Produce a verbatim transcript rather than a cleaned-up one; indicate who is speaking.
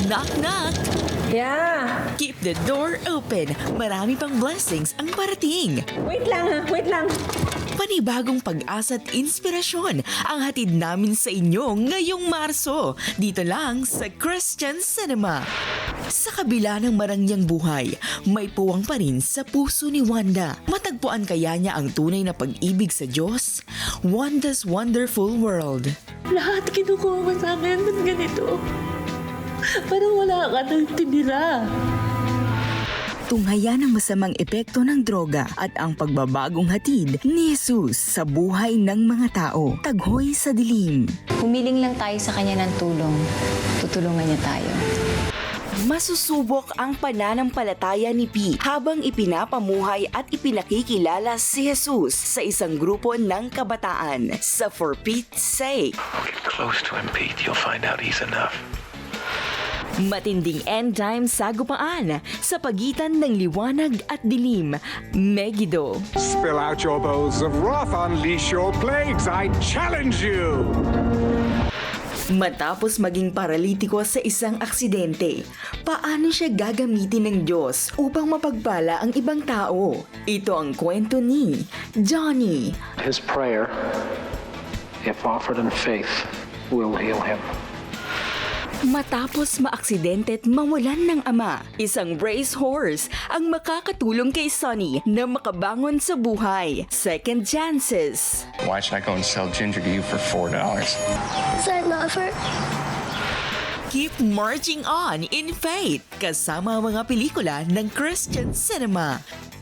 Speaker 1: Knock knock!
Speaker 2: Yeah.
Speaker 1: Keep the door open. Marami pang blessings ang parating.
Speaker 2: Wait lang ha, wait lang.
Speaker 1: Panibagong pag-asa at inspirasyon ang hatid namin sa inyo ngayong Marso. Dito lang sa Christian Cinema. Sa kabila ng marangyang buhay, may puwang pa rin sa puso ni Wanda. Matagpuan kaya niya ang tunay na pag-ibig sa Diyos? Wanda's Wonderful World.
Speaker 2: Lahat kinukuha mo sa akin, ba't ganito? Parang wala ka nang tinira.
Speaker 1: Tunghaya ng masamang epekto ng droga at ang pagbabagong hatid ni Jesus sa buhay ng mga tao. Taghoy sa dilim.
Speaker 3: Humiling lang tayo sa kanya ng tulong. Tutulungan niya tayo.
Speaker 1: Masusubok ang pananampalataya ni P habang ipinapamuhay at ipinakikilala si Jesus sa isang grupo ng kabataan sa For Pete's Sake.
Speaker 4: Get close to him, Pete. You'll find out he's enough.
Speaker 1: Matinding end time sagupaan sa pagitan ng liwanag at dilim. Megiddo.
Speaker 5: Spill out your bowls of wrath, unleash your plagues, I challenge you!
Speaker 1: Matapos maging paralitiko sa isang aksidente, paano siya gagamitin ng Diyos upang mapagpala ang ibang tao? Ito ang kwento ni Johnny.
Speaker 6: His prayer, if offered in faith, will heal him.
Speaker 1: Matapos maaksidente at mawalan ng ama, isang racehorse ang makakatulong kay Sonny na makabangon sa buhay. Second chances.
Speaker 7: Why should I go and sell ginger to you for four dollars?
Speaker 8: So I love her.
Speaker 1: Keep marching on in faith kasama ang mga pelikula ng Christian Cinema.